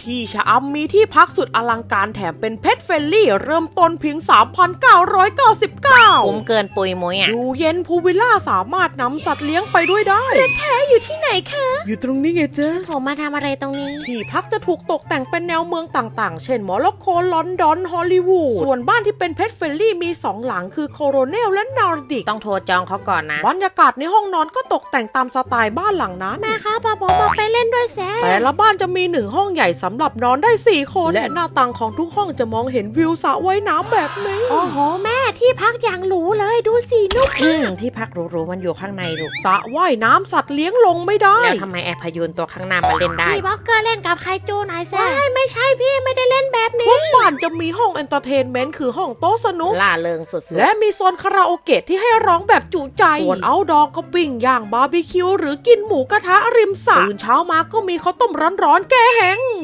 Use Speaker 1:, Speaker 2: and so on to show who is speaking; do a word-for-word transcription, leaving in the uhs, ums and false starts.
Speaker 1: ที่ชะอำมีที่พักสุดอลังการแถมเป็นเพทเฟลลี่เริ่มต้นเพียง สามพันเก้าร้อยเก้าสิบเก้า
Speaker 2: คุ้มเกินปุยมุ้ยอ่ะ
Speaker 1: อยู่เย็นพูวิลล่าสามารถนำสัตว์เลี้ยงไปด้วยได้แท้อยู่ที่ไหนคะอยู่ตรงนี้ไงเจ๊
Speaker 2: ผมมาทำอะไรตรงนี้
Speaker 1: ที่พักจะถูกตกแต่งเป็นแนวเมืองต่างๆเช่นโมร็อกโกลอนดอนฮอลลีวูดส่วนบ้านที่เป็นเพทเฟลลี่มีสองหลังคือโคโรเนลและนอร์ดิก
Speaker 2: ต้องโทรจองเขาก่อนนะ
Speaker 1: บรรยากาศในห้องนอนก็ตกแต่งตามสไตล์บ้านหลังนั้น
Speaker 2: แม่คะพาผมมาไปเล่นด้วยแซ่
Speaker 1: แต่ละบ้านจะมีหนึ่งห้องใหญ่สำหรับนอนได้สี่คนและหน้าต่างของทุกห้องจะมองเห็นวิวสระว่ายน้ำแบบนี้
Speaker 2: โอ้โหแม่ที่พักอย่างหรูเลยดูสินุ่มอืมที่พักหรูๆมันอยู่ข้างในลูก
Speaker 1: สระว่ายน้ำสัตว์เลี้ยงลงไม่ได้
Speaker 2: แล้วทำไมแอร์พยูนตัวข้างหน้ามาเล่นได้
Speaker 3: พี่บ็อกเกอร์เล่นกับไคจูหน่อยแซ่ไม่ใช่พี่ไม่ได้เล่นแบบนี้
Speaker 1: ทุกบ้านจะมีห้องเอนเตอร์เทนเมนต์คือห้องโต๊ะสนุก
Speaker 2: ล่าเริงสุดๆ
Speaker 1: และมีโซนคาราโอเกะที่ให้ร้องแบบจุใจส่วนเอาท์ดอร์ก็ปิ้งย่างบาร์บีคิวหรือกินหมูกระทะริมสระตื่นเช้ามาก็มีข้าวต้มร้อนๆแก้แห้ง